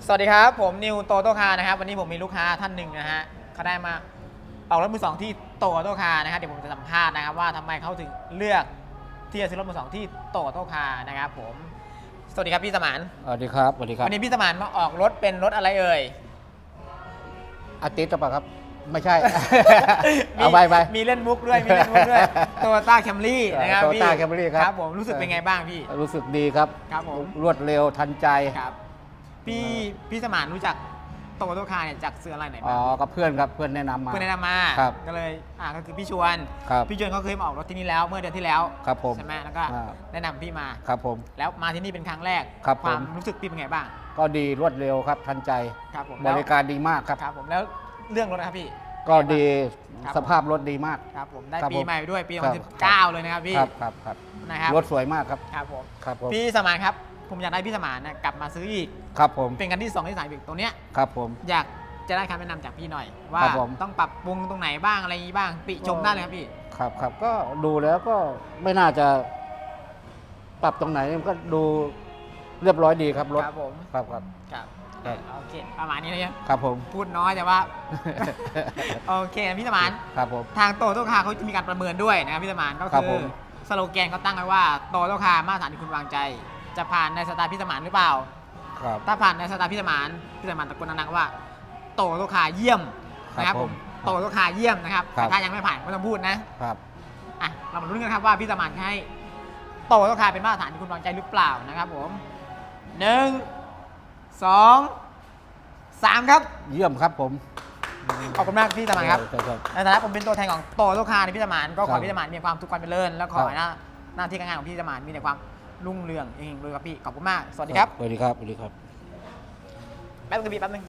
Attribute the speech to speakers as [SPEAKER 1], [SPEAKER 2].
[SPEAKER 1] สวัสดีครับผมนิวโตโตคาร์นะครับวันนี้ผมมีลูกค้าท่านหนึ่งนะฮะเขาได้มาออกรถมือสองที่โตโตคาร์นะครับเดี๋ยวผมจะสัมภาษณ์นะครับว่าทำไมเขาถึงเลือกที่จะซื้อรถมือสองที่โตโตคาร์นะครับผมสวัสดีครับพี่สมาน
[SPEAKER 2] สวัสดีครับสวัสดีครับ
[SPEAKER 1] วันนี้พี่สมานมาออกรถเป็นรถอะไรเอ่ย
[SPEAKER 2] อาทิตย์หรือเปล่าครับไม่ใช่ เอาไป
[SPEAKER 1] มีเล่นมุกด้วยมีเล่นมุกด้วยโตโยต้าแคมรี่นะครับพี่
[SPEAKER 2] Toyota Camry ครับ
[SPEAKER 1] ผมรู้สึกเป็นไงบ้างพี่
[SPEAKER 2] รู้สึกดีครับ
[SPEAKER 1] ครับผม
[SPEAKER 2] รวดเร็วทันใจ
[SPEAKER 1] ครับพี่สมานรู้จักโตโยต้าคาร์เนี่ยจากซื้ออะไรไหน
[SPEAKER 2] อ๋
[SPEAKER 1] บ้า
[SPEAKER 2] อง กับเพื่อนครับเพื่อนแนะนำมาครับ
[SPEAKER 1] ก็เลยก็คือพี่ชวนเขาเคยมาออกรถที่นี่แล้วเมื่อเดือนที่แล้ว
[SPEAKER 2] ครับผม
[SPEAKER 1] ใช่ไหมแล้วก็แนะนำพี่มา
[SPEAKER 2] ครับผม
[SPEAKER 1] แล้วมาที่นี่เป็นครั้งแรก
[SPEAKER 2] ครับ
[SPEAKER 1] ความรู้สึกพี่เป็นไงบ้าง
[SPEAKER 2] ก็ดีรวดเร็วครับทันใจ
[SPEAKER 1] ครับผม
[SPEAKER 2] บริการดีมากครับ
[SPEAKER 1] ครับผมแล้วเรื่องรถนะครับพี่
[SPEAKER 2] ก็ดีสภาพรถดีมาก
[SPEAKER 1] ครับผมได้ปีใหม่ด้วยปี2019เลยนะครับพี่
[SPEAKER 2] ครับ
[SPEAKER 1] นะครับ
[SPEAKER 2] รถสวยมากครับ
[SPEAKER 1] ครับผม
[SPEAKER 2] ครับผม
[SPEAKER 1] พี่สมานครับผมอยากได้พี่สมานกลับมาซื้ออีก
[SPEAKER 2] ครับผม
[SPEAKER 1] เป็นกันที่2ที่3อีกตัวเนี้ย
[SPEAKER 2] ครับผม
[SPEAKER 1] อยากจะได้คำแนะนำจากพี่หน่อยว่าต้องปรับปรุงตรงไหนบ้างอะไรอย่างนี้บ้างติชมได้เลยครับพี่
[SPEAKER 2] ครับก็ดูแล้วก็ไม่น่าจะปรับตรงไหนก็ดูเรียบร้อยดีครับรถ
[SPEAKER 1] ครับผม
[SPEAKER 2] ครับ
[SPEAKER 1] โอเคประมาณนี้นะครับ
[SPEAKER 2] ครับผม
[SPEAKER 1] พูดน้อยแต่ว่าโอเคพี่สมาน
[SPEAKER 2] ครับผม
[SPEAKER 1] ทางโตโต้คาร์เขาจะมีการประเมินด้วยนะครับพี่สมานก็คือสโลแกนเขาตั้งไว้ว่าโตโต้คาร์มาตรฐานที่คุณวางใจจะผ่านในสไตล์พี่สมานหรือเปล่า
[SPEAKER 2] ครับ
[SPEAKER 1] ถ้าผ่านในสไตล์พี่สมานตะโกนดังๆว่าโตโต้คาร์เยี่ยมนะครับผมโตโต้คาร์เยี่ยมนะครับถ้ายังไม่ผ่านไม่ต้องพูดนะครับเรามาลุ้นกันครับว่าพี่สมานให้โตโต้คาร์เป็นมาตรฐานที่คุณวางใจหรือเปล่านะครับผม1 2 3ครับ
[SPEAKER 2] เยี่ยมครับผม
[SPEAKER 1] ขอบคุณมากพี่สมานครับในฐานะผมเป็นตัวแทนของโตโต้คาร์ในพี่สมานก็ขอพี่สมานมีความสุขความเจริญแล้วขอหน้าที่การงานของพี่สมานมีแต่ความรุ่งเรืองเองเลยครับพี่ขอบคุณมากสวัสดีครับ
[SPEAKER 2] สวัสดีครับสวัสดีครับ
[SPEAKER 1] แป๊บนึง